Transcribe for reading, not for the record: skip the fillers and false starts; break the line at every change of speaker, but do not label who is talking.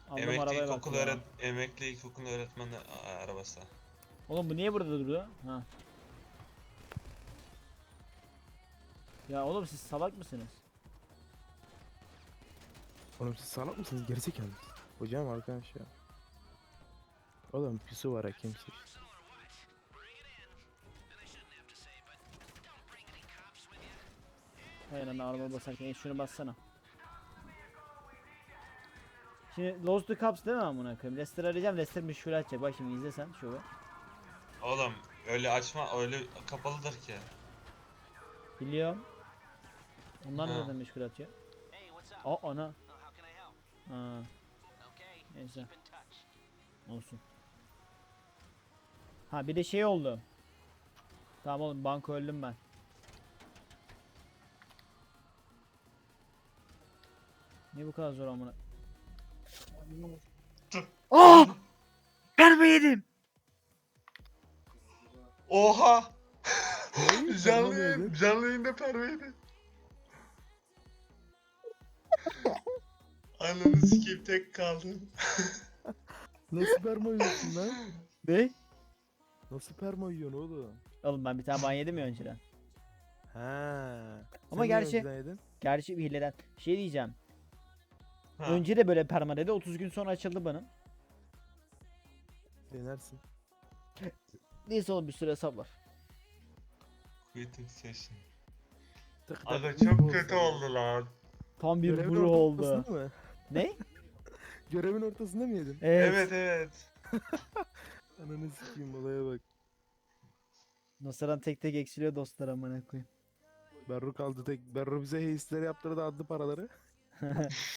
Aldım arabaya bak ya.
Emekli ilkokul öğretmeni arabası.
Oğlum bu niye burada duruyor? Ha. Ya oğlum siz salak mısınız?
Oğlum siz salak mısınız? Gerizekalı. Hocam arkadaş ya. Oğlum pisu var ha kimse.
Hayır lan araba basarken şunu bassana. Şimdi Lost the Cups değil mi amına koyayım? Leicester arayacağım. Leicester meşgul edecek. Bak şimdi izle sen şöyle.
Oğlum öyle açma, öyle kapalıdır ki.
Biliyorum. Onlar
Ha.
nereden meşgul atıyor? Aa ana. Ha. Neyse. Olsun. Ha bir de şey oldu. Tamam oğlum banka öldüm ben. Niye bu kadar zor amına? Aa! Perme yedim.
Oha!
Ne?
Canlı yayında perveydi. Ananı sikeyim, tek kaldım.
Nasıl perma yiyorsun lan?
Ne?
Nasıl perma yiyorsun oğlum?
Oğlum ben bir tane ban yedim ya önceden.
Ha.
Ama
Sen niye
gerçi-
önceden yedin?
Gerçi bir hileden. Şey diyeceğim.
Ha.
Önce de böyle perma dedi. 30 gün sonra açıldı benim.
Denersin.
Neyse oğlum bir süre sabır.
Quitting session.
Tık tık
Aga
tık
çok
olsa
kötü
ya.
oldu lan.
Tam bir
Görevin
buru oldu.
ortasında mı?
Ne?
Görevin ortasında mı yedin?
Evet.
Evet.
Ananı sikeyim olaya bak.
Nasır'dan tek tek eksiliyor dostlar amına koyayım.
Berru kaldı tek. Berru bize heisleri yaptırdı adlı paraları.